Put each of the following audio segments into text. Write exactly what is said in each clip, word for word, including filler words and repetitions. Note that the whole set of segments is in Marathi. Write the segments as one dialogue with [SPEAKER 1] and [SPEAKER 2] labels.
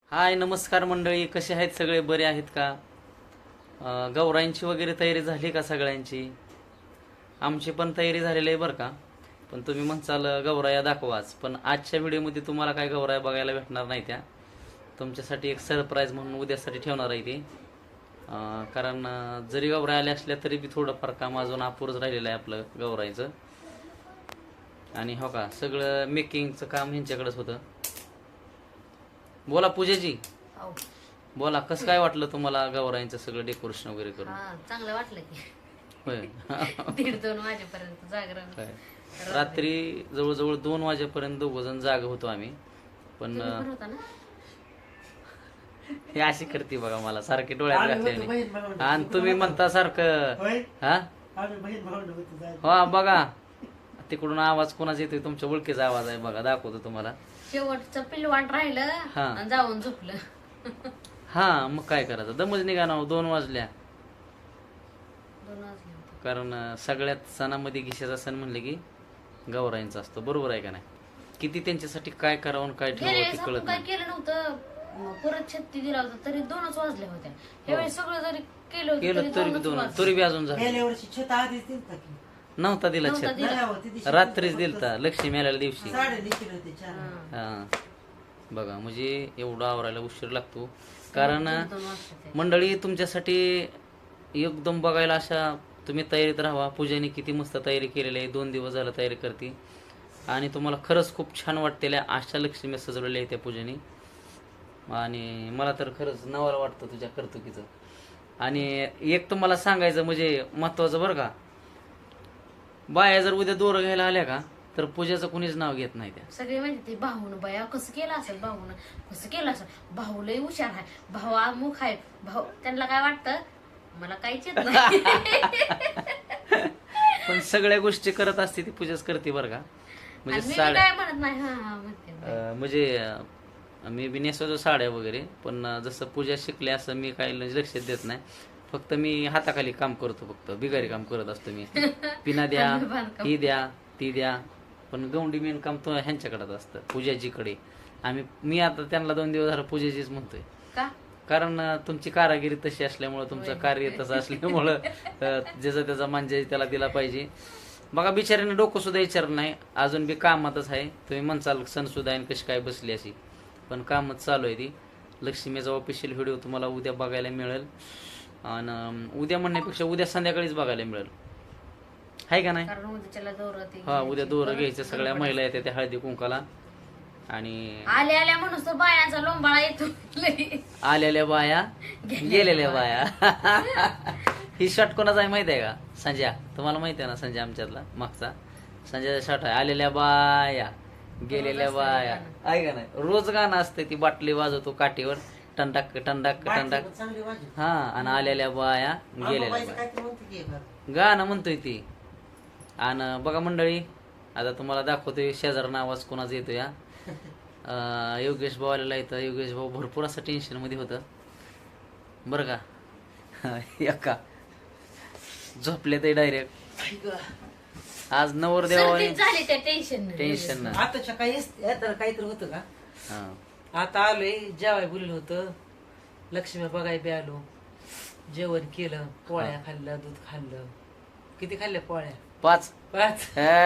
[SPEAKER 1] हाय नमस्कार मंडळी, कसे आहेत सगळे? बरे आहेत का? अं, गौराईंची वगैरे तयारी झाली का सगळ्यांची? आमची पण तयारी झालेली आहे बरं का. पण तुम्ही म्हणसाल गौराया दाखवाच, पण आजच्या व्हिडिओमध्ये तुम्हाला काय गौराया बघायला भेटणार नाही. त्या तुमच्यासाठी एक सरप्राईज म्हणून उद्यासाठी ठेवणार आहे ती. अं, कारण अं, जरी गौराया आल्या असल्या तरी बी थोडंफार काम अजून अपुरच राहिलेलं आहे आपलं गौराईचं. आणि हो का, सगळं मेकिंगचं काम ह्यांच्याकडेच होतं. बोला पूजाजी,
[SPEAKER 2] हो.
[SPEAKER 1] बोला कसं काय वाटलं तुम्हाला गौराईंचं सगळं डेकोरेशन वगैरे करून?
[SPEAKER 2] हा चांगलं वाटलं की
[SPEAKER 1] होय.
[SPEAKER 2] दीड दोन वाजेपर्यंत जागरण
[SPEAKER 1] काय रात्री जवळजवळ दोन वाजेपर्यंत दोघ जण जाग होतो आम्ही. पण
[SPEAKER 2] तुम्ही पण होता ना?
[SPEAKER 1] हे अशी करते बघा, मला सारखे डोळ्यात
[SPEAKER 3] आम्ही
[SPEAKER 1] घातले
[SPEAKER 3] होतो,
[SPEAKER 1] आणि-
[SPEAKER 3] बहीण भावंड.
[SPEAKER 1] आणि तुम्ही म्हणता सारखं
[SPEAKER 3] होय
[SPEAKER 1] हा
[SPEAKER 3] आम्ही बहीण भावंड होतो जायला.
[SPEAKER 1] हो बघा, तिकडून आवाज कोणाचा येतोय? तुमच्या ओळखीचा आवाज आहे बघा, दाखवतो तुम्हाला.
[SPEAKER 2] शेवटचं पिलवाट राहिलं
[SPEAKER 1] हा.
[SPEAKER 2] आणि जाऊन झोपलं.
[SPEAKER 1] हा मग काय करायचं, दमच निघा ना हो, दोन वाजल्या.
[SPEAKER 2] दोन वाजले होते.
[SPEAKER 1] कारण अं, सगळ्यात सणामध्ये घिशाचा सण म्हणले की गौराईंचा असतो, बरोबर आहे का नाही? किती त्यांच्यासाठी काय करावं आणि काय
[SPEAKER 2] गेल्या
[SPEAKER 1] ठेवावं
[SPEAKER 2] वेळेस
[SPEAKER 1] ते
[SPEAKER 2] आपण
[SPEAKER 1] कळत
[SPEAKER 2] काय
[SPEAKER 1] नाही.
[SPEAKER 2] केलं नव्हतं, मग परत छत्ती दिला होता तरी दोनच वाजल्या होत्या. ह्यावेळेस सगळं जरी केलं होतं
[SPEAKER 1] केलं
[SPEAKER 2] तरी
[SPEAKER 1] तरी बी
[SPEAKER 2] दोनच
[SPEAKER 1] दोन,
[SPEAKER 2] वाजले.
[SPEAKER 1] तरी बी अजून झालं
[SPEAKER 3] गेल्या वर्षी छत आधीच दिलता की
[SPEAKER 1] नव्हता दिला
[SPEAKER 2] नव्हता
[SPEAKER 1] छत.
[SPEAKER 2] दिला.
[SPEAKER 3] नाही आवं, ती दिवशी
[SPEAKER 1] रात्रीच
[SPEAKER 3] फक्त
[SPEAKER 1] दिलता लक्ष्मी आलेल्या दिवशी.
[SPEAKER 3] साडे निघले होते चार.
[SPEAKER 2] हा.
[SPEAKER 1] हा बघा, म्हणजे एवढा आवरायला उशीर लागतो. कारण
[SPEAKER 2] दीड दोन वाजले ते.
[SPEAKER 1] मंडळी तुमच्यासाठी एकदम बघायला अशा तुम्ही तयारीत राहा. पूजेने किती मस्त तयारी केलेली आहे, दोन दिवस झालं तयारी करते आणि तुम्हाला खरंच खूप छान वाटतेल्या अशा लक्ष्मी सजवलेल्या आहे त्या पूजेने. आणि मला तर खरंच नवाला वाटतं तुझ्या कर्तुकीचं. आणि एक तुम्हाला सांगायचं म्हणजे महत्वाचं बरं का, बाया जर उद्या दोरं घ्यायला आल्या का तर पूजेचं कुणीच नाव घेत नाही त्या.
[SPEAKER 2] सगळे म्हणते ते भाऊन बया कसं केलं असेल, भाऊन कसं केलं असेल, भाऊ लय हुशार आहे, भाऊ अमुख आहे, भाऊ. त्यांना काय वाटतं, मला काहीच येत नाही.
[SPEAKER 1] पण सगळ्या गोष्टी करत असते ती, पूजाच करते बरं का.
[SPEAKER 2] आणि
[SPEAKER 1] म्हणजे
[SPEAKER 2] मी बी
[SPEAKER 1] साड्या
[SPEAKER 2] काय म्हणत नाही, हा हा म्हणते.
[SPEAKER 1] अं, म्हणजे अं, मी बी नेसवतो साड्या वगैरे, पण अं, जसं पूजा शिकले असं मी काही लक्ष देत नाही. फक्त मी हाताखाली काम करतो, फक्त बिगारी काम करत असतो मी. पिना द्या, ही द्या, ती द्या. पण गौंडी मेन काम तो ह्यांच्याकडेच असतं, पूजाजीकडे. आम्ही मी आता त्यांना दोन दिवस झालं पूजाजीच म्हणतोय.
[SPEAKER 2] का
[SPEAKER 1] कारण अं, तुमची कारागिरी तशी असल्यामुळं, तुमचं कार्य तसं असल्यामुळं अं, ज्याचा त्याचा मांजा त्याला दिला पाहिजे. बघा बिचाऱ्याने डोकं सुद्धा विचारलं नाही, अजून बी कामातच आहे. तुम्ही म्हणसाल सण सुद्धा आहे कशी काय बसली अशी, पण कामच चालू आहे ती. लक्ष्मीचा ऑफिशियल व्हिडिओ तुम्हाला उद्या बघायला मिळेल. आणि उद्या म्हणण्यापेक्षा उद्या संध्याकाळीच बघायला मिळेल, आहे का नाही?
[SPEAKER 2] कारण उद्याच्याला दोरं ते
[SPEAKER 1] हा उद्या
[SPEAKER 2] घ्यायची.
[SPEAKER 1] दोरं
[SPEAKER 2] परत
[SPEAKER 1] घ्यायचं, सगळ्या
[SPEAKER 2] गडबड
[SPEAKER 1] महिला येते त्या हळदी कुंकाला. आणि
[SPEAKER 2] आल्या आल्या म्हणून तर बायांचा लोंबाळा येतो लई.
[SPEAKER 1] आलेल्या बाया गेलेल्या बाया. ही शॉट कोणाचा आहे माहिती आहे का? संजय, तुम्हाला माहिती आहे ना संजय आमच्यातला मागचा संजयचा शॉट आहे. आलेल्या बाया गेलेल्या बाया, आहे का नाही? रोज गाणं असते, ती बाटली वाजवतो काठीवर, टंडाक टंडाक टंडाक.
[SPEAKER 3] बाटली चांगली वाजली.
[SPEAKER 1] हा, आणि आलेल्या बाया गेलेल्या
[SPEAKER 3] आंबाबाईचं
[SPEAKER 1] बाया
[SPEAKER 3] काहीतरी म्हणते की एखादं.
[SPEAKER 1] गाणं म्हणतोय ती. आणि बघा मंडळी, आता तुम्हाला दाखवतोय शेजारना आवाज कोणाचा येतो या. अं, योगेश भाऊ आलेला इथं. योगेश भाऊ भरपूर असं टेन्शन मध्ये होतं बरं का. एका झोपले ते डायरेक्ट. आज नवरदेवाने
[SPEAKER 2] सर्दीच झाली त्या टेन्शन
[SPEAKER 1] टेन्शन ना.
[SPEAKER 3] आताच्या काही आता काहीतरी होतं का?
[SPEAKER 1] हा
[SPEAKER 3] आता आलोय, जेवाय बोललं होतं, लक्ष्मी बघाय बी आलो, जेवण केलं, पोळ्या खाल्लं, दूध खाल्लं. किती खाल्ल्या पोळ्या?
[SPEAKER 1] पाच.
[SPEAKER 3] पाच.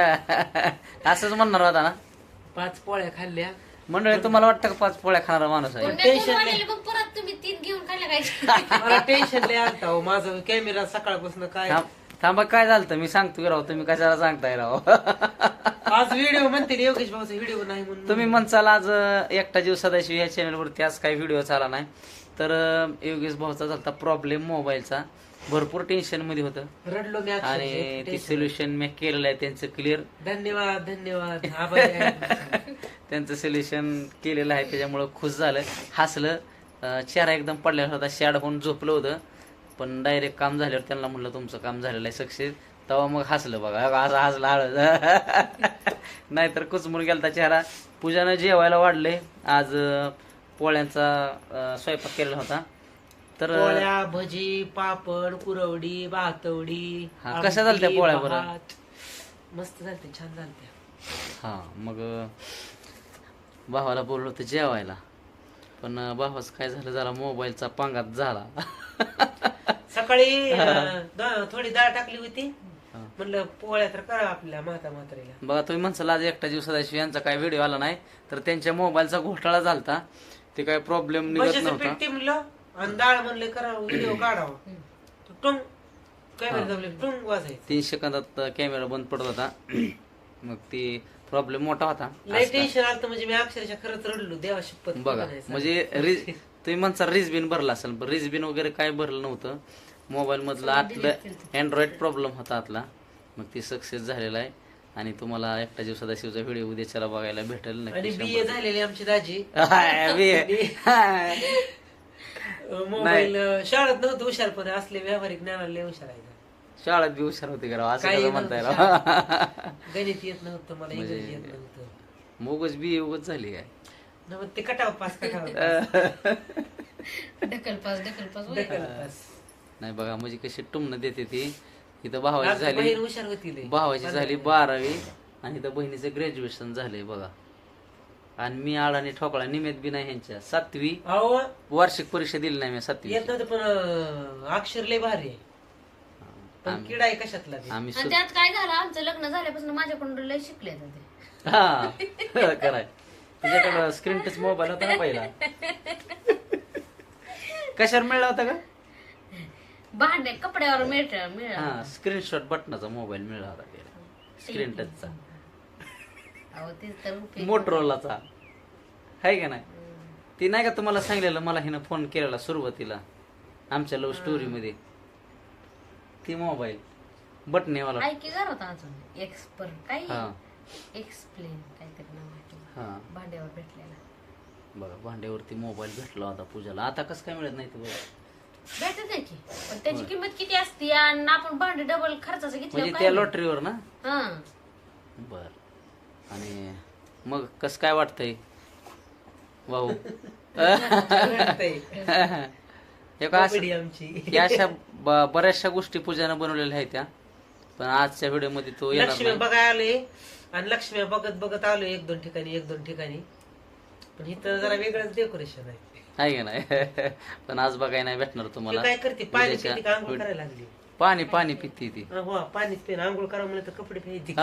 [SPEAKER 1] असंच म्हणणार होता ना
[SPEAKER 3] पाच पोळ्या खाल्ल्या.
[SPEAKER 1] मंडळी. तुम्हाला वाटतं का पाच पोळ्या खाणारा माणूस आहे?
[SPEAKER 2] मग परत तुम्ही तीन घेऊन खाल्ल्या काय?
[SPEAKER 3] मला टेन्शन लय आलता हो. माझं कॅमेरा सकाळपासून काय
[SPEAKER 1] थांब- थांबा, काय झालं मी सांगतो की राव, तुम्ही कशाला सांगताय राव?
[SPEAKER 3] आज व्हिडिओ म्हणते ना, योगेश भाऊचा व्हिडिओ नाही म्हणून.
[SPEAKER 1] तुम्ही म्हणसाल आज अं, एकटा जीव सदाशिव या चॅनलवरती आज काही व्हिडिओ चाला नाही. तर अं, योगेश भाऊचा झाला प्रॉब्लेम मोबाईलचा, भरपूर टेन्शन मध्ये होतं
[SPEAKER 3] रडलो मी अक्षरशः.
[SPEAKER 1] आणि ते
[SPEAKER 3] टेन्शन.
[SPEAKER 1] सोल्युशन मी केलेलं आहे त्यांचं क्लिअर.
[SPEAKER 3] धन्यवाद धन्यवाद आभारी आहे.
[SPEAKER 1] त्यांचं सोल्युशन केलेलं आहे, त्याच्यामुळं खुश झालं, हसलं. अं, चेहरा एकदम पडलेला होता, शॅड होऊन झोपलं होतं. पण डायरेक्ट काम झाल्यावर त्यांना म्हणलं तुमचं काम झालेलं आहे सक्सेस, तेव्हा मग हसलं बघा, असं हसलं हळद. नाहीतर कुचमून गेलता चेहरा. पूजानं जेवायला वाढले आज. अं, पोळ्यांचा अं, स्वयंपाक केलेला होता. तर अं,
[SPEAKER 3] पोळ्या, भजी, पापड, कुरवडी, भातवडी.
[SPEAKER 1] हा, कशा झालत्या
[SPEAKER 3] आमटी,
[SPEAKER 1] पोळ्या बरं?
[SPEAKER 3] भात. मस्त झालते, छान झालत्या.
[SPEAKER 1] हा मग अं, भावाला बोललो होतं जेवायला, पण अं, भावाच काय झालं जरा मोबाईलचा पांगात झाला.
[SPEAKER 3] सकाळी अं, दा- थोडी डाळ टाकली होती
[SPEAKER 1] हा.
[SPEAKER 3] म्हणलं पोळ्या तर करा आपल्या म्हाता म्हातारीला.
[SPEAKER 1] बघा तुम्ही म्हणसाल आज एकटा जीव सदाशिव यांचा काय व्हिडिओ आला नाही, तर त्यांच्या मोबाईलचा घोटाळा झालता. ते काय प्रॉब्लेम निघत
[SPEAKER 3] बशाचं
[SPEAKER 1] नव्हता.
[SPEAKER 3] पीठ टिमलं आणि डाळ म्हणले करा व्हिडिओ काढावा. तो टुंग कॅमेरा जमले टुंग वाजायचं.
[SPEAKER 1] तीन सेकंदात कॅमेरा बंद पडत होता. मग ती प्रॉब्लेम मोठा होता.
[SPEAKER 3] लय टेन्शन आलं म्हणजे मी अक्षरशः खरंच रडलो देवा शपथ.
[SPEAKER 1] बघा म्हणजे रिज तुम्ही म्हणता रिज बिन भरला असेल, पण रिज बिन वगैरे काय भरलं नव्हतं. मोबाईल मधलं आतलं अँड्रॉइड प्रॉब्लेम होता आतला. मग ती सक्सेस झालेला आहे आणि तुम्हाला एकटा जीव सदाशिवचा व्हिडिओ उद्याच्याला बघायला भेटेल
[SPEAKER 3] आणि
[SPEAKER 1] नक्की.
[SPEAKER 3] बी ए झालेली आमची दाजी
[SPEAKER 1] हाय, बी ए.
[SPEAKER 3] मोबाईल शाळेत नव्हतं हुशार पण असले व्यावहारिक ज्ञानाला लय हुशार आहे.
[SPEAKER 1] शाळेत बी हुशार होती का राव? असं
[SPEAKER 3] काही
[SPEAKER 1] कसं म्हणताय राव?
[SPEAKER 3] नव्हतं. गणित येत नव्हतं मला,
[SPEAKER 1] म्हणजे-
[SPEAKER 3] इंग्रजी येत नव्हतं.
[SPEAKER 1] मोगच बी उगच झाली काय?
[SPEAKER 3] न मग ते कटाव पास कटाव
[SPEAKER 2] ढकल पास ढकल पास होय.
[SPEAKER 3] पास.
[SPEAKER 1] नाही बघा म्हणजे कशी टुमणं देते ती. इथं भावाची
[SPEAKER 3] आमची
[SPEAKER 1] झाली
[SPEAKER 3] बहीण हुशार होती लय.
[SPEAKER 1] भावाची झाली बारावी आणि इथं बहिणीचं ग्रॅज्युएशन झालंय बघा. आणि मी आळाने ठोकळा निमेत बी नाही ह्यांच्या. सातवी
[SPEAKER 3] अहो
[SPEAKER 1] वार्षिक परीक्षा दिली नाही मी सातवी.
[SPEAKER 3] येत नव्हतं पण अं, अक्षर लय भारी आहे. पण किडा आहे कशातला बी.
[SPEAKER 1] आम्ही
[SPEAKER 2] आणि
[SPEAKER 1] सु-
[SPEAKER 2] त्यात काय झालं, आमचं लग्न झाल्यापासून माझ्याकडून लय शिकले ते.
[SPEAKER 1] हा कराय तुझ्याकडं स्क्रीन टच मोबाईल होता ना पहिला. कशावर मिळला होता का?
[SPEAKER 2] भांडे कपड्यावर मिळत मिळ
[SPEAKER 1] हा स्क्रीनशॉट बटनाचा मोबाईल मिळाला होता स्क्रीन टचचा.
[SPEAKER 2] अहो ते तर उपयोग.
[SPEAKER 1] मोटरोलाचा आहे का नाही? ती नाही का तुम्हाला सांगलेलं, मला हिनं फोन केलेला सुरुवातीला आमच्या लव्ह स्टोरी मध्ये. ती मोबाईल बटनेवाला.
[SPEAKER 2] काय की घर होता अजून एक्सपर्ट काय
[SPEAKER 1] हा
[SPEAKER 2] एक्सप्लेन काहीतरी नाव आहे.
[SPEAKER 1] हा
[SPEAKER 2] भांड्यावर भेटलेला
[SPEAKER 1] बघा भांड्यावरती मोबाईल भेटला होता पूजाला. आता कसं काय मिळत नाही ते बघा.
[SPEAKER 2] भेटत आहे की, पण त्याची किंमत किती असते आणि आपण भांडे डबल खर्चाचं
[SPEAKER 1] म्हणजे
[SPEAKER 2] घेतलं
[SPEAKER 1] त्या लॉटरीवर ना.
[SPEAKER 2] हा
[SPEAKER 1] बर आणि मग कसं काय वाटतंय भाऊ?
[SPEAKER 3] रडतंय.
[SPEAKER 1] हे का असं-
[SPEAKER 3] कबड्डी आमची.
[SPEAKER 1] या अशा ब- बऱ्याचशा गोष्टी पूजानं बनवलेल्या आहेत त्या, पण आजच्या व्हिडिओ मध्ये तो येणार
[SPEAKER 3] लक्ष्मी
[SPEAKER 1] नाही.
[SPEAKER 3] बघायला आलोय आणि लक्ष्मी बघत बघत आलोय एक दोन ठिकाणी एक दोन ठिकाणी. पण इथं जरा वेगळंच डेकोरेशन आहे.
[SPEAKER 1] आहे का नाही? पण आज बघायला नाही भेटणार
[SPEAKER 3] ती
[SPEAKER 1] तुम्हाला.
[SPEAKER 3] काय करते पाणी
[SPEAKER 1] उद्याच्या
[SPEAKER 3] पिते का आंघोळ
[SPEAKER 1] व्हिडिओ-
[SPEAKER 3] करायला लागली.
[SPEAKER 1] पाणी पाणी पिती ती.
[SPEAKER 3] हा, हो पाणीच पेन आंघोळ करा म्हणलं तर कपडे फेकते.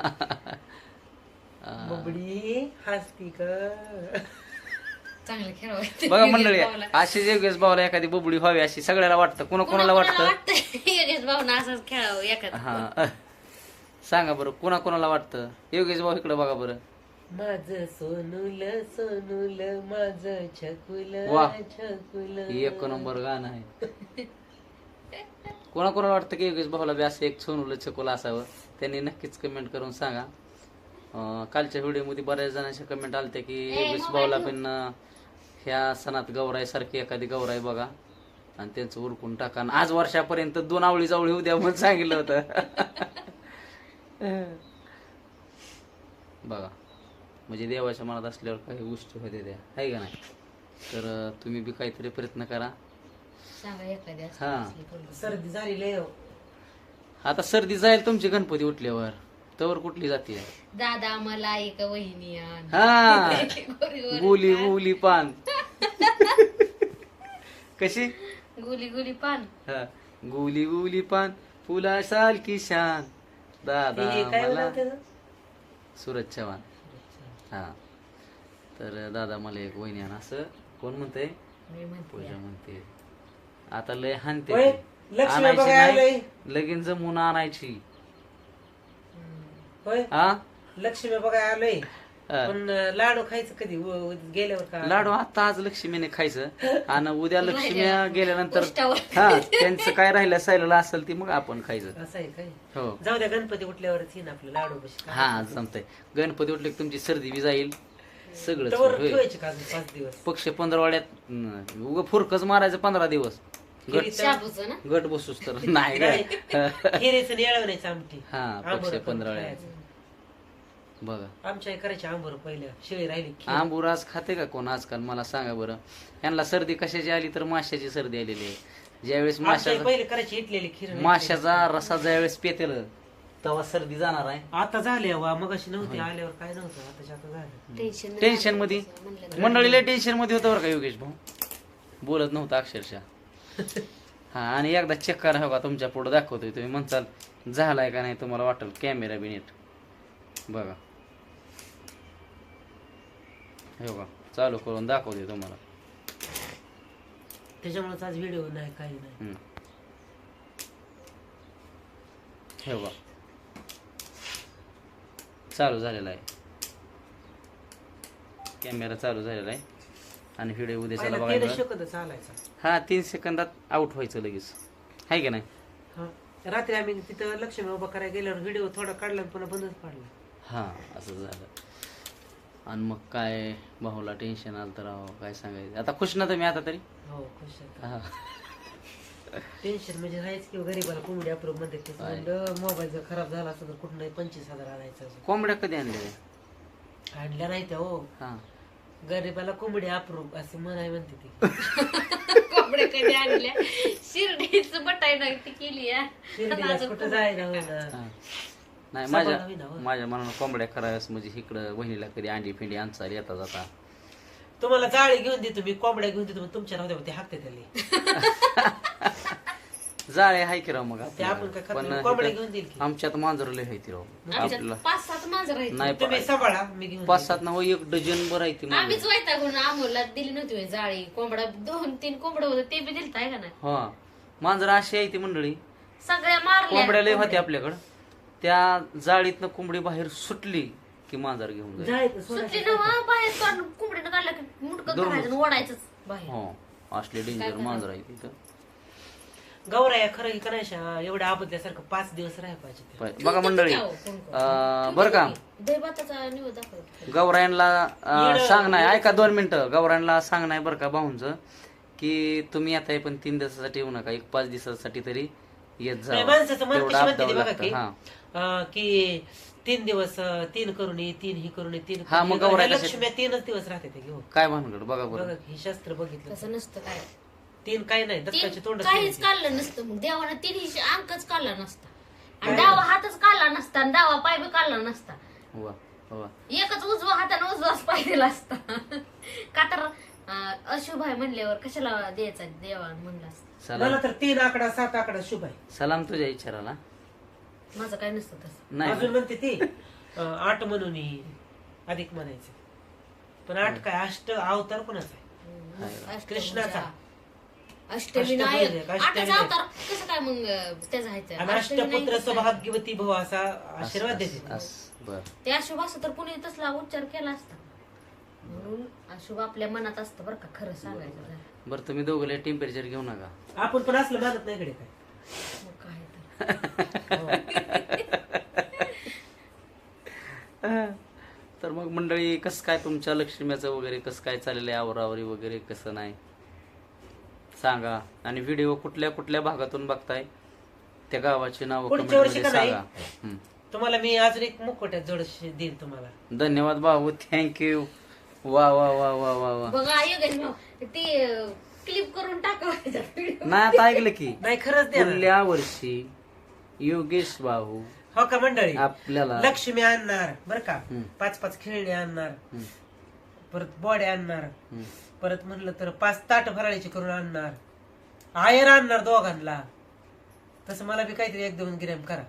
[SPEAKER 3] बबडी हसती का.
[SPEAKER 2] चांगलं खेळावं.
[SPEAKER 1] बघा मंडळी अशी योगेश भाऊला एखादी बुबडी व्हावी अशी सगळ्याला वाटतं. कोणा कोणाला वाटतं?
[SPEAKER 2] योगेश भाऊना असंच खेळावं एखादं.
[SPEAKER 1] हा सांगा बरं, कोणा कोणाला वाटतं? योगेश भाऊ इकडे बघा बरं.
[SPEAKER 3] माझ सोनूल सोनूल माझ छकुल
[SPEAKER 1] वा.
[SPEAKER 3] छकुल.
[SPEAKER 1] एक नंबर गाणं आहे. कोणा कोणाला वाटतं की योगेश भाऊला बी असं एक सोनूला छकुला असावं? त्यांनी नक्कीच कमेंट करून सांगा. अं, कालच्या व्हिडिओ मध्ये बऱ्याच जणांच्या कमेंट आलत्या की योगेश भाऊला पण अं, ह्या सणात गौराई सारखी एखादी गौराई बघा आणि त्यांचं उरकून टाका. आणि आज वर्षापर्यंत दोन आवळी जावळी उद्या म्हणून सांगितलं होतं. बघा म्हणजे देवाच्या मनात असल्यावर काही गोष्टी होते त्या, आहे का नाही? तर अं, तुम्ही बी काहीतरी प्रयत्न करा.
[SPEAKER 2] सांगा एखादी असं
[SPEAKER 1] हा.
[SPEAKER 2] असली पोरगी.
[SPEAKER 3] सर्दी झाली लय हो.
[SPEAKER 1] आता सर्दी जाईल तुमची गणपती उठल्यावर, तवर कुठली जाते?
[SPEAKER 2] दादा मला एक वहिनी आण.
[SPEAKER 1] हा
[SPEAKER 2] गोरी
[SPEAKER 1] गुली गुली पान. कशी?
[SPEAKER 2] गुली गुली पान.
[SPEAKER 1] हा गुली गुली पान फुला साल की शान दादा
[SPEAKER 3] हे काय
[SPEAKER 1] मला.
[SPEAKER 3] म्हणतात त्याचं?
[SPEAKER 1] सूरज चव्हाण. हा तर दादा मला एक वहिनी आण असं कोण म्हणतंय?
[SPEAKER 2] मी म्हणते
[SPEAKER 1] पूजा म्हणते. आता लय हानते
[SPEAKER 3] होय,
[SPEAKER 1] ती.
[SPEAKER 3] लक्ष्मी
[SPEAKER 1] आणायची
[SPEAKER 3] बघायला
[SPEAKER 1] नाही,
[SPEAKER 3] आलोय.
[SPEAKER 1] लगीन जमून आणायची.
[SPEAKER 3] होय
[SPEAKER 1] हा
[SPEAKER 3] लक्ष्मी बघायला आलोय.
[SPEAKER 1] हा.
[SPEAKER 3] पण लाडू खायचं कधी व- व- गेल्यावर का.
[SPEAKER 1] लाडू आता आज लक्ष्मीने खायचं आणि उद्या लक्ष्मी गेल्यानंतर
[SPEAKER 2] उष्टावर.
[SPEAKER 1] हा त्यांचं काय राहिलं सायला असेल ती मग आपण खायचं.
[SPEAKER 3] असं आहे काय.
[SPEAKER 1] हो
[SPEAKER 3] जाऊ द्या गणपती उठल्यावरच येईन आपलं लाडू बशी.
[SPEAKER 1] हा जमतंय. गणपती उठले की तुमची सर्दी बी जाईल सगळंच
[SPEAKER 3] तवर
[SPEAKER 1] होईल.
[SPEAKER 3] ठेवायचे का अजून पाच दिवस.
[SPEAKER 1] पक्ष पंधरवाड्यात उग फुरकच मारायचं पंधरा दिवस. गट
[SPEAKER 3] खिरीचं-
[SPEAKER 2] शाबूचं ना.
[SPEAKER 1] गट बसूस तर नाही
[SPEAKER 3] नाही.
[SPEAKER 1] काय.
[SPEAKER 3] खिरीचं आणि येळवण्याचं आमटी.
[SPEAKER 1] हा
[SPEAKER 3] आंबोरं
[SPEAKER 1] पक्ष
[SPEAKER 3] करून
[SPEAKER 1] पंधरवाड्यात
[SPEAKER 3] खायचं.
[SPEAKER 1] बघा.
[SPEAKER 3] आमच्या आई करायची आंबोर पहिल्या शिळी राहिली खीर.
[SPEAKER 1] आंबुराज खाते का कोण आजकाल मला सांगा बरं. यांना सर्दी कशाची आली तर माशाची सर्दी आलेली आहे. ज्यावेळेस
[SPEAKER 3] आमच्या आई
[SPEAKER 1] माशाचा
[SPEAKER 3] पहिले करायची इटलेली खीर.
[SPEAKER 1] माशाचा रसा ज्यावेळेस पेतेल तेव्हा सर्दी जाणार आहे.
[SPEAKER 3] आता झाले वा मग अशी नव्हती आल्यावर काय नव्हतं आताच्या आता झालं.
[SPEAKER 2] टेन्शन
[SPEAKER 1] टेन्शन मध्ये मंडळीला टेन्शन मध्ये होतं बरं का योगेश भाऊ, बोलत नव्हता अक्षरशः. हा आणि एकदा चेक करा हो का, तुमच्या पुढे दाखवतोय, तुम्ही म्हणताल झालाय का नाही, तुम्हाला वाटेल कॅमेरा बी नीट बघा. हो का चालू करून दाखवतोय तुम्हाला.
[SPEAKER 3] त्याच्यामुळेच आज व्हिडिओ नाही काही नाही.
[SPEAKER 1] हम्म. हे बघा चालू झालेला आहे, कॅमेरा चालू झालेला आहे आणि व्हिडिओ उद्याच्याला
[SPEAKER 3] पहिला
[SPEAKER 1] बघायला.
[SPEAKER 3] तेरा सेकंद चालायचा.
[SPEAKER 1] हा तीन सेकंदात आउट व्हायचं लगेच, आहे का नाही.
[SPEAKER 3] हा. रात्री आम्ही तिथं लक्ष्मी उभा करायला गेल्यावर व्हिडिओ थोडा काढला आणि पुन्हा बंदच पाडला.
[SPEAKER 1] हा असं झालं. आणि मग काय भाऊला टेन्शन आलं तर राव काय सांगायचं. आता खुश ना तुम्ही आता तरी.
[SPEAKER 3] हो खुश आहे.
[SPEAKER 1] हा
[SPEAKER 3] टेन्शन म्हणजे राहायच किंवा गरीबाला कोंबडी अप्रूव्ह मध्ये मोबाईल जर खराब झाला असता तर कुठं नाही पंचवीस हजार आणायचं.
[SPEAKER 1] कोंबड्या कधी आणल्या?
[SPEAKER 3] आणल्या नाही त्या हो.
[SPEAKER 1] हा
[SPEAKER 3] गरीबाला कोंबडी अप्रूव्ह असं म्हणाय म्हणते ती.
[SPEAKER 2] कपडे कधी आणल्या शिर्डीच बटाई नाही ती केली आहे.
[SPEAKER 3] शिर्डीला कुठं जायला होईना.
[SPEAKER 1] हा. नाही माझ्या
[SPEAKER 3] सभा नवीन आहे, हो.
[SPEAKER 1] माझ्या मनानं कोंबड्या कराव्यास म्हणजे इकडं बहिणीला कधी अंडी फिंडी आणचा येता जाता.
[SPEAKER 3] तुम्हाला जाळी घेऊन देतो मी, कोंबड्या घेऊन देतो, पण तुमच्या नव्हत्या ते हाकते त्याला.
[SPEAKER 1] जाळे हाय की राव मग
[SPEAKER 3] ते आपण काय करतो, कोंबड्या घेऊन देईल की.
[SPEAKER 1] आमच्यात मांजर लय आहे ती राव आपल्याला.
[SPEAKER 2] पाच सात मांजर आहेत.
[SPEAKER 1] नाही
[SPEAKER 3] तुम्ही सांभाळा मी घेऊन
[SPEAKER 1] पाच सात ना हो एक डझन बर आहे ती मांजर.
[SPEAKER 2] आम्हीच वैतागून आमोला दिली नव्हती होय जाळी. कोंबडा दोन तीन कोंबडं होतं ते बी दिलत आहे का नाही.
[SPEAKER 1] हा मांजर अशी आहे ती मंडळी.
[SPEAKER 2] सगळ्या मारल्या
[SPEAKER 1] कोंबड्या लय होते आपल्याकडं. त्या जाळीतनं कोंबडी बाहेर सुटली की मांजर घेऊन जाईल.
[SPEAKER 3] जाळीत
[SPEAKER 2] सुटली
[SPEAKER 3] सोडायची.
[SPEAKER 2] ना वा, बाहेर काढून कोंबडीनं काढलं की मुटकं
[SPEAKER 1] दोन
[SPEAKER 2] धरायचं आणि ओढायचंच बाहेर.
[SPEAKER 1] हो असले डेंजर मांजर आहे तिथं.
[SPEAKER 3] गौराया खरं का नाही एवढ्या आबदल्यासारखं पाच दिवस राहायला पाहिजे ते.
[SPEAKER 1] पाय- बघा मंडळी अं, बरं का
[SPEAKER 2] दहीभाताचा निवड दाखवतो.
[SPEAKER 1] गौरायांना अं, सांग नाही ऐका दोन मिनिटं. गौरायांना सांग नाही बरं का भाऊंचं की तुम्ही आता हे पण तीन दिवसासाठी येऊ नका, एक पाच दिवसासाठी तरी येत जा.
[SPEAKER 3] नाही, माणसाचं मन
[SPEAKER 1] तेवढं
[SPEAKER 3] कशी म्हणते
[SPEAKER 1] आपदावं
[SPEAKER 3] ती बघा
[SPEAKER 1] लागतं.
[SPEAKER 3] की
[SPEAKER 1] हा
[SPEAKER 3] अं, की तीन दिवस अं, तीन करून ये, तीन ही करून ये, तीन
[SPEAKER 1] हा,
[SPEAKER 3] करून
[SPEAKER 1] मग
[SPEAKER 3] ये.
[SPEAKER 1] गौराई
[SPEAKER 3] ह्या
[SPEAKER 1] कशी-
[SPEAKER 3] लक्ष्म्या तीनच दिवस राहते ते घेऊन.
[SPEAKER 1] काय भानगड बघा
[SPEAKER 3] बघा
[SPEAKER 1] बरं.
[SPEAKER 3] हे शास्त्र बघितलं
[SPEAKER 2] तसं नसतं काय.
[SPEAKER 3] तीन काही नाही
[SPEAKER 2] तीन
[SPEAKER 3] दत्ताचे तोंड
[SPEAKER 2] काहीच काढलं नसतं. मग देवानं तिन्ही अंकच काढला नसता आणि डावा हातच काढला नसता आणि डावा पाय बी काढला नसता.
[SPEAKER 1] वा वा
[SPEAKER 2] एकच उजवा हाताने उजवाच पाय दिला असता. का तर अं, अशुभ आहे म्हणल्यावर कशाला द्यायचा देवा म्हणला असता.
[SPEAKER 3] मला
[SPEAKER 1] सलाम
[SPEAKER 3] तर तीन आकडा सात आकडा शुभ आहे.
[SPEAKER 1] सलाम तुझ्या इच्छाला.
[SPEAKER 2] माझं काय नसतं तसं.
[SPEAKER 1] नाही
[SPEAKER 3] अजून म्हणते ती अं, आठ म्हणून ही अधिक म्हणायचं, पण आठ काय अष्ट अवतार कोणाचा आहे?
[SPEAKER 2] अष्टभुजा,
[SPEAKER 3] कृष्णाचा.
[SPEAKER 2] अष्टविनायक.
[SPEAKER 3] अष्टभुजा,
[SPEAKER 2] आठाचा
[SPEAKER 3] अष्टविनायक.
[SPEAKER 2] अवतार कसं काय मग त्याचं आहे ते?
[SPEAKER 3] आणि
[SPEAKER 2] अष्टविनायक
[SPEAKER 3] अष्टपुत्र
[SPEAKER 2] कसं आहे?
[SPEAKER 3] सौभाग्यवती भव असा आशीर्वाद देते.
[SPEAKER 1] बर
[SPEAKER 2] ते अशुभ असतं तर कुणी तसला उच्चार केला असता. म्हणून अशुभ आपल्या मनात असतं बरं का, खरं सांगायचं झालं.
[SPEAKER 1] बरं तुम्ही दोघं टेम्परेचर घेऊ नका.
[SPEAKER 3] आपण पण असलं मानत नाही कडे काय.
[SPEAKER 2] मग काय तर.
[SPEAKER 1] तर मग मंडळी कसं काय तुमच्या लक्ष्मीचं वगैरे कसं काय चाललेलं आहे, आवरावरी वगैरे कसं नाही सांगा. आणि व्हिडिओ कुठल्या कुठल्या भागातून बघताय त्या गावाची नाव
[SPEAKER 3] पुढच्या वर्षी
[SPEAKER 1] कमेंटमध्ये
[SPEAKER 3] का नाही?
[SPEAKER 1] सांगा. हम्म.
[SPEAKER 3] तुम्हाला मी अजून एक मुखवट्यात जोड देईन तुम्हाला.
[SPEAKER 1] धन्यवाद भाऊ, थँक्यू. वा वा वा वा वा वा.
[SPEAKER 2] बघा योगेश भाऊ ते क्लिप करून टाकायचा व्हिडिओ.
[SPEAKER 1] नाही आता ऐकलं की
[SPEAKER 3] नाही खरंच द्या ना.
[SPEAKER 1] पुढल्या वर्षी योगेश भाऊ
[SPEAKER 3] हो का मंडळी,
[SPEAKER 1] आपल्याला
[SPEAKER 3] लक्ष्मी आणणार बर का,
[SPEAKER 1] हम्म.
[SPEAKER 3] पाच पाच खेळणे आणणार,
[SPEAKER 1] हम्म,
[SPEAKER 3] परत बॉड्या आणणार,
[SPEAKER 1] हम्म.
[SPEAKER 3] परत म्हणलं तर पाच ताट फराळीचे करून आणणार, आयर आणणार दोघांना. तसं मला बी काहीतरी एक दोन ग्रॅम करा.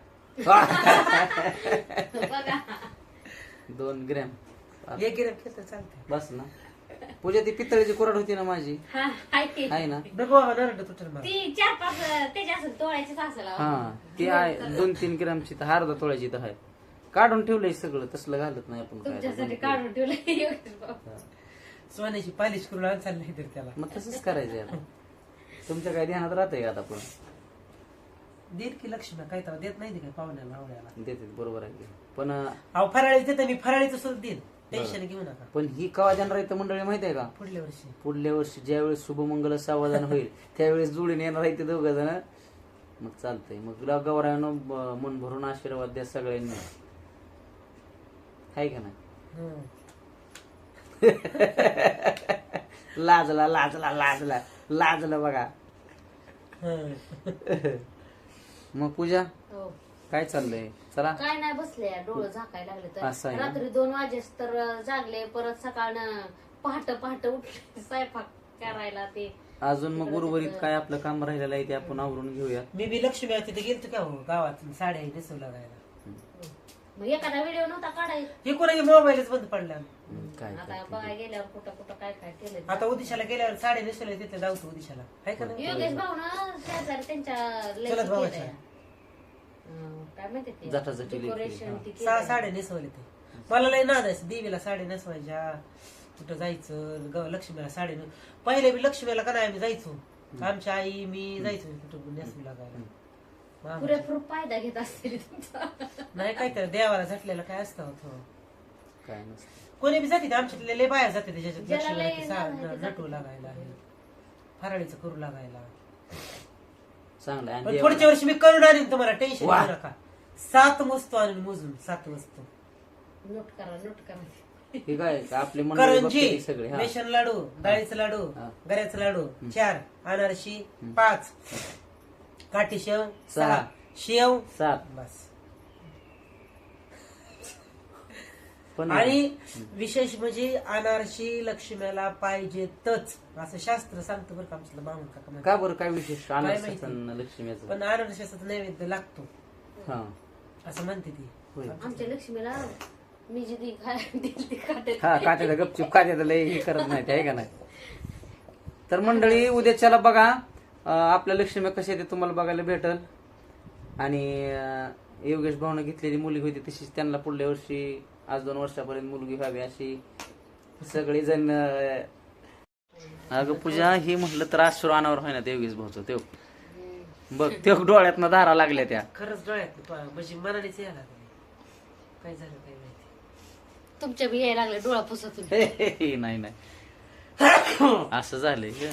[SPEAKER 2] बघा
[SPEAKER 1] दोन ग्रॅम
[SPEAKER 3] एक ग्रॅम केलं तर चालते.
[SPEAKER 1] बस ना. पूजा ती पितळेची कोरड होती ना माझी,
[SPEAKER 2] हा हाय ते.
[SPEAKER 1] आहे ना.
[SPEAKER 3] बघू बाबा नरड तुटर मला.
[SPEAKER 2] ती चार पाच त्याच्या असं तोळ्याचीच असेल अहो.
[SPEAKER 1] हा ती आहे दोन तीन ग्रॅमची तर अर्धा तोळ्याची तर आहे. काढून ठेवलंय सगळं, तसलं घालत नाही आपण काय.
[SPEAKER 2] तुमच्यासाठी काढून ठेवलं योगेश भाऊ.
[SPEAKER 1] हा.
[SPEAKER 3] सोन्याची पालिश करून आण चालली तर त्याला
[SPEAKER 1] मग तसंच करायचं आता. तुमच्या काय ध्यानात राहतंय आता पण
[SPEAKER 3] देत की लक्ष्मी काय तेव्हा देत नाही ते काय पाहुण्याला आवड्याला.
[SPEAKER 1] देते बरोबर आहे की. पण
[SPEAKER 3] अहो फराळीच देते मी, फराळीचं सुद्धा देईन, टेन्शन घेऊ नका.
[SPEAKER 1] पण ही कवा देणार आहे तर मंडळी माहिती आहे का,
[SPEAKER 3] पुढल्या वर्षी
[SPEAKER 1] पुढल्या वर्षी ज्यावेळेस शुभमंगल सावधान होईल त्यावेळेस जुळून येणार आहे ते दोघं जण. मग चालतंय. मग गौरायानं मन भरून आशीर्वाद द्या सगळ्यांनी, आहे का नाही.
[SPEAKER 3] हं.
[SPEAKER 1] लाजला लाजला लाजला लाजला बघा.
[SPEAKER 3] हं.
[SPEAKER 1] मग पूजा
[SPEAKER 2] हो.
[SPEAKER 1] काय चाललंय चला.
[SPEAKER 2] काय नाही बसले डोळं झाकायला लागले
[SPEAKER 1] असं
[SPEAKER 2] तर
[SPEAKER 1] आहे ना?
[SPEAKER 2] रात्री दोन वाजेस तर जागले परत सकाळ पहाट पहाट उठले स्वयंपाक करायला ते
[SPEAKER 1] अजून मग उर्वरित काय आपलं काम राहिलेलं आहे ते आपण आवरून घेऊया.
[SPEAKER 3] मी बी लक्ष्मी तिथे गेलतो का हो गावात साड्या नेसू लागायला.
[SPEAKER 2] मग एखादा व्हिडिओ नव्हता काढायचा.
[SPEAKER 3] हे कोणाची मोबाईलच बंद पडला.
[SPEAKER 1] काय
[SPEAKER 2] आता बघायला गेल्यावर कुठं कुठं काय काय केलं
[SPEAKER 3] आता उदिशाला गेल्यावर साड्या नेसवल्या तिथे जाऊतो उदिशाला आहे का नाही?
[SPEAKER 2] योगेश भाऊ ना शेजारी त्यांच्या लय
[SPEAKER 3] चलत भावाच्या.
[SPEAKER 2] केलंय. अं, काय माहिती ते
[SPEAKER 1] जटाजटी लेकी.
[SPEAKER 2] डेकोरेशन ती
[SPEAKER 3] सहा
[SPEAKER 2] केलंय.
[SPEAKER 3] साड्या नेसवले ते. मला लय नाद आहे देवीला साड्या नेसवायच्या कुठं जायचं ग- लक्ष्मीला साडी ने- पहिले बी लक्ष्मीला का नाही आम्ही जायचो आमच्या आई मी जायचो कुठं नेसू लागायला. मग आम्ही-
[SPEAKER 2] पुरेपूर फायदा घेत असतील तुमचा.
[SPEAKER 3] नाही काय तर देवाला झटलेलं काय असतं होतं.
[SPEAKER 1] काय नसतं.
[SPEAKER 3] कोणी बी जाते आमच्यातले लय बाया जाते त्याच्यात
[SPEAKER 2] ज्याला
[SPEAKER 3] लक्ष्मीला
[SPEAKER 2] लय
[SPEAKER 3] ते सा-
[SPEAKER 2] नाद आहे ते
[SPEAKER 3] नटू लागायला आहे. फराळीचं करू लागायला.
[SPEAKER 1] चांगलं आहे.
[SPEAKER 3] पण
[SPEAKER 1] आणि
[SPEAKER 3] पुढच्या वर्षी मी करून आणीन तुम्हाला टेन्शन
[SPEAKER 1] वा.
[SPEAKER 3] घेऊ नका. सात वस्तू आणून मोजून सात वस्तू
[SPEAKER 2] नोट करा नोट करा.
[SPEAKER 1] हे काय का आपले मंडळी
[SPEAKER 3] करंजी
[SPEAKER 1] बघते सगळे हा.
[SPEAKER 3] बेसन लाडू डाळीचं लाडू
[SPEAKER 1] हा.
[SPEAKER 3] गऱ्याचं लाडू चार अनारशी पाच काठी शेव
[SPEAKER 1] सहा.
[SPEAKER 3] सहा शेव
[SPEAKER 1] सात.
[SPEAKER 3] बस.
[SPEAKER 1] पण
[SPEAKER 3] आणि विशेष म्हणजे अनारशी लक्ष्मीला पाहिजेतच असं शास्त्र सांगतं बरं का आमचं मामून काका म्हणतात.
[SPEAKER 1] का बरं काय विशेष
[SPEAKER 3] माहिती?
[SPEAKER 1] आनंद लक्ष्मीचं
[SPEAKER 3] पण अनारशाचा नैवेद्य लागतो
[SPEAKER 1] हा
[SPEAKER 3] असं म्हणते ती.
[SPEAKER 1] होय.
[SPEAKER 2] आमच्या लक्ष्मीला मी जी ती खायला दिली ती खाते.
[SPEAKER 1] हा काट्याचा गपचूप काट्याचा लय हे करत नाही ते आहे का नाही. तर मंडळी उद्याच्याला बघा अं, आपल्या लक्ष्मी कशा ते तुम्हाला बघायला भेटल. आणि अं, योगेश भाऊने घेतलेली मुलगी होती तशीच त्यांना पुढल्या वर्षी आज दोन वर्षापर्यंत मुलगी व्हावी अशी सगळी जण अं, अगं पूजा ही म्हटलं तर अश्रू अनावर होय ना ते योगेश भाऊचं तेव बघ ते डोळ्यातनं धारा लागल्या त्या.
[SPEAKER 3] खरंच डोळ्यात पा- म्हणजे मनानेच यायला लागले. काय झालं काय माहिती.
[SPEAKER 2] तुमच्या बी यायला लागले डोळा पुसतून.
[SPEAKER 1] हे, हे, हे, नाही नाही असं झालंय का?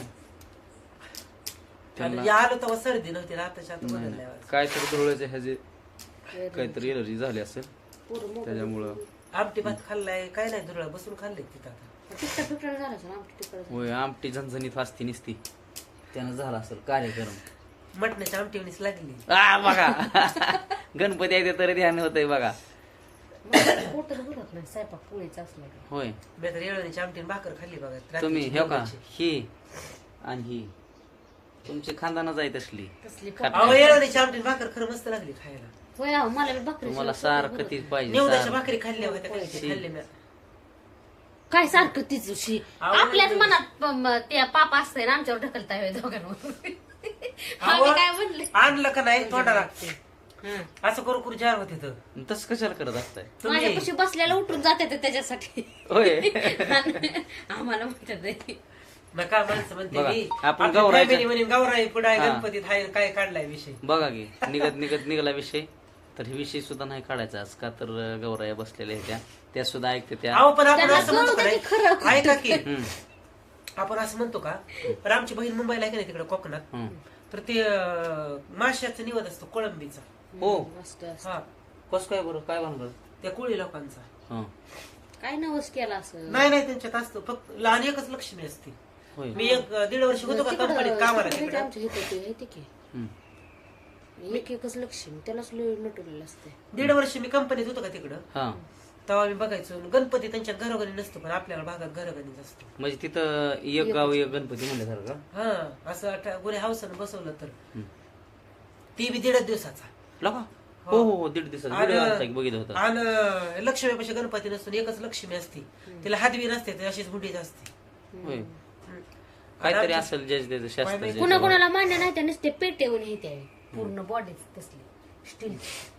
[SPEAKER 1] त्यांना-
[SPEAKER 3] आणि आलो तेव्हा सर्दी नव्हती ना आताच्या आता
[SPEAKER 1] नाही,
[SPEAKER 3] बदलल्यावर.
[SPEAKER 1] नाही. काहीतरी डोळ्याचे ह्याचे काहीतरी एलर्जी झाली असेल त्याच्यामुळं.
[SPEAKER 3] आमटी भात खाल्लाय काय नाही दुरळा बसून खाल्ले तिथं आता.
[SPEAKER 2] तिखट पिठळ झालं असेल, आमटी तिखट झालं.
[SPEAKER 1] होय आमटी झणझणीत असती निसती त्यानं झाला असेल कार्यक्रम.
[SPEAKER 3] मटणाच्या आमटीवणीच लागली.
[SPEAKER 1] आ बघा गणपती आहे ते तरी ध्यान होतंय बघा.
[SPEAKER 2] मला पोटच भरत नाही स्वयंपाक पोळीचा असला की.
[SPEAKER 1] होय
[SPEAKER 3] मी तर येळवणीची आमटी आणि भाकर खाल्ली बघा रात्रीची
[SPEAKER 1] तुम्ही हे का
[SPEAKER 3] जेवणाची.
[SPEAKER 1] ही आणि ही तुमची खानदानच आहे तसली.
[SPEAKER 2] तसली
[SPEAKER 1] खात
[SPEAKER 3] अहो
[SPEAKER 1] नाही.
[SPEAKER 3] येळवणीची आमटी आणि भाकर खरं मस्त लागली खायला.
[SPEAKER 2] होय अहो, मला बी भाकरी
[SPEAKER 1] तुम्हाला
[SPEAKER 2] शिवाय
[SPEAKER 1] सारखं
[SPEAKER 2] पोट
[SPEAKER 1] तीच
[SPEAKER 2] भरत
[SPEAKER 1] पाहिजे
[SPEAKER 3] निवदाच्या
[SPEAKER 1] सारं.
[SPEAKER 3] भाकरी खाल्ल्या होत्या कधी
[SPEAKER 1] शी.
[SPEAKER 3] खाल्ले मी.
[SPEAKER 2] नाही. काय सारखं तीच शी
[SPEAKER 3] अहो,
[SPEAKER 2] आपल्याच
[SPEAKER 3] नाही.
[SPEAKER 2] मनात प- म- ते पाप असतंय ना आमच्यावर ढकलता हवे दोघांवर.
[SPEAKER 3] अहो,
[SPEAKER 2] आम्ही काय म्हणले
[SPEAKER 3] आणलं का नाही तोंडा लागते
[SPEAKER 2] हं.
[SPEAKER 3] असं करू करू जार होते तर
[SPEAKER 1] तसं कशाला करत असताय
[SPEAKER 3] तुम्ही
[SPEAKER 2] माझ्यापाशी बसल्याला उठून जाते ते त्याच्यासाठी.
[SPEAKER 1] होय
[SPEAKER 2] आणि आम्हाला म्हणतात ते.
[SPEAKER 3] नका माणसं म्हणते
[SPEAKER 1] बघा,
[SPEAKER 3] मी
[SPEAKER 1] आपण
[SPEAKER 3] आपल्या
[SPEAKER 1] गौराईच्या-
[SPEAKER 3] family म्हणे गौराई पुढे
[SPEAKER 1] हा.
[SPEAKER 3] गणपतीत हाय काय काढलाय विषय.
[SPEAKER 1] बघा की निघत निघत निघाला विषय तर हे विषय सुद्धा नाही काढायचा आज का तर गौराया बसलेल्या आहेत त्या त्या सुद्धा ऐकते त्या.
[SPEAKER 3] अहो पण आपण
[SPEAKER 2] त्यांना
[SPEAKER 3] असं म्हणतो
[SPEAKER 2] कळू
[SPEAKER 3] का
[SPEAKER 2] दे की खरं.
[SPEAKER 3] नाही ऐका की
[SPEAKER 1] हम्म,
[SPEAKER 3] आपण असं म्हणतो का तर आमची बहीण मुंबईला आहे का नाही तिकडे कोकणात
[SPEAKER 1] हम्म.
[SPEAKER 3] तर ते अं, माश्याचा निवद असतो कोळंबीचा.
[SPEAKER 1] हो
[SPEAKER 2] मस्त असं.
[SPEAKER 3] हा
[SPEAKER 1] कस काय बरं काय भानगड.
[SPEAKER 3] त्या कोळी लोकांचा.
[SPEAKER 1] हं,
[SPEAKER 2] काय नवस केला असं.
[SPEAKER 3] नाही नाही त्यांच्यात असतो फक्त लहान एकच लक्ष्मी असते.
[SPEAKER 1] होय
[SPEAKER 3] मी एक अं, दीड वर्ष होतो का
[SPEAKER 2] तिकडं-
[SPEAKER 3] कंपनीत कामाला
[SPEAKER 2] तिकडं
[SPEAKER 3] तिकडे
[SPEAKER 2] आमच्या इथं ते आहे ते की.
[SPEAKER 1] हम्म.
[SPEAKER 2] एक एकच लक्ष्मी त्यालाच लय नटवलेलं असते.
[SPEAKER 3] दीड वर्ष मी कंपनीत होतो का तिकडं
[SPEAKER 1] हा
[SPEAKER 3] तेव्हा मी बघायचो गणपती त्यांच्या घरोघरी नसतो पण आपल्या भागात घरोघरीच असतो.
[SPEAKER 1] म्हणजे तिथं एक गाव एक गणपती म्हणल्यासारखं.
[SPEAKER 3] हा असं आता गुरे हावसानं बसवलं तर
[SPEAKER 1] हम्म.
[SPEAKER 3] ती बी दीडच दिवसाचा.
[SPEAKER 1] लका हो हो हो दीड दिवसात
[SPEAKER 3] आणि-
[SPEAKER 1] व्हिडिओ आलता की बघितलं होतं.
[SPEAKER 3] आणि लक्ष्मीपाशी गणपती नसून एकच लक्ष्मी असते तिला हातवी नसते ती अशीच बुडीच असते.
[SPEAKER 1] होय
[SPEAKER 3] हम्म.
[SPEAKER 1] काहीतरी
[SPEAKER 3] आणि
[SPEAKER 1] असेल ज्याचं त्याचं शास्त्र
[SPEAKER 3] काय
[SPEAKER 1] ज्याचं-
[SPEAKER 2] कुणा कुणाला मान्य नाही त्या नुसते पेटेवून येते पूर्ण बॉडी तसली स्टील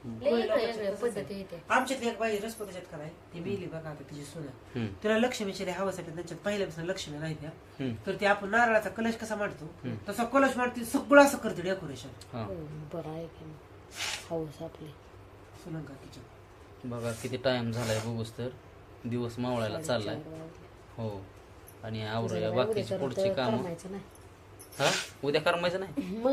[SPEAKER 2] पद्धती येते.
[SPEAKER 3] आमच्यातली एक बाई रसपताच्यात का नाही ती मिली बघा आता तिची सुना
[SPEAKER 1] हम्म,
[SPEAKER 3] तिला लक्ष्मीची लई हवस आहे त्यांच्यात पहिल्यापासून लक्ष्मी नाही त्या
[SPEAKER 1] हम्म.
[SPEAKER 3] तर ते आपण नारळाचा कलश कसा मांडतो तसा कलश मांडते सगळं असं करते डेकोरेशन.
[SPEAKER 1] हा.
[SPEAKER 2] हो, बरं आहे की हौस आपली.
[SPEAKER 3] सुनंका तिच्या
[SPEAKER 1] बघा किती टाइम झालाय बघूस तर दिवस मावळायला चाललाय. हो आणि आवरूया बाकीची पुढची काम.
[SPEAKER 2] करमायचं नाही
[SPEAKER 1] हा उद्या करमायचं नाही.
[SPEAKER 2] मग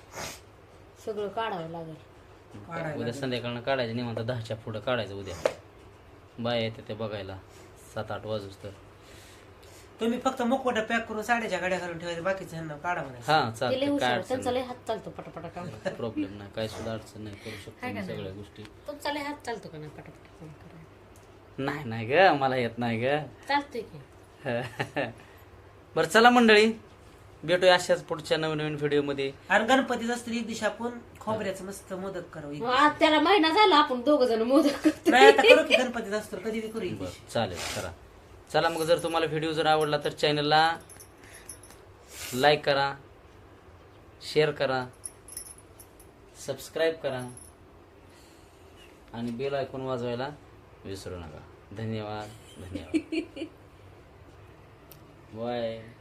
[SPEAKER 2] सगळं काढावं लागेल.
[SPEAKER 1] उद्या संध्याकाळनं काढायचं निवांत दहाच्या पुढं काढायचं उद्या. बाय येते ते बघायला सात आठ वाजूस तर
[SPEAKER 3] तुम्ही फक्त मुखवटा पॅक करून साड्याच्या गाड्या घालून ठेवायचं, बाकीचं ह्यांना काढा म्हणायचं.
[SPEAKER 1] हा
[SPEAKER 2] ते लय
[SPEAKER 1] चालतं काय
[SPEAKER 2] हुशार
[SPEAKER 1] अडचण
[SPEAKER 2] त्यांचा लय हात चालतो पटापटा काम
[SPEAKER 1] नाही प्रॉब्लेम नाही काय सुद्धा अडचण नाही करू शकतो
[SPEAKER 2] हाय का
[SPEAKER 1] मी
[SPEAKER 2] नाही?
[SPEAKER 1] सगळ्या गोष्टी
[SPEAKER 2] तुमचा लय हात चालतो का नाही पटापटा काम करायला?
[SPEAKER 1] नाही नाही ग मला येत नाही ग
[SPEAKER 2] चालतोय की
[SPEAKER 1] बरं चला मंडळी भेटूया अशाच पुढच्या नवीन नवीन व्हिडिओ मध्ये
[SPEAKER 3] आणि गणपतीच असतं एक दिवशी आपण खोबऱ्याचं मस्त मोदक करावं एक
[SPEAKER 2] मग आज त्याला महिना झाला आपण दोघ जण मोदक करतो.
[SPEAKER 3] नाही आता करू की गणपतीच असतो कधी बी करू एक दिवशी.
[SPEAKER 1] बरं चालेल करा चला मग जर तुम्हाला व्हिडिओ जर आवडला तर चॅनलला लाईक करा शेअर करा सबस्क्राईब करा आणि बेल आयकॉन वाजवायला विसरू नका धन्यवाद धन्यवाद बाय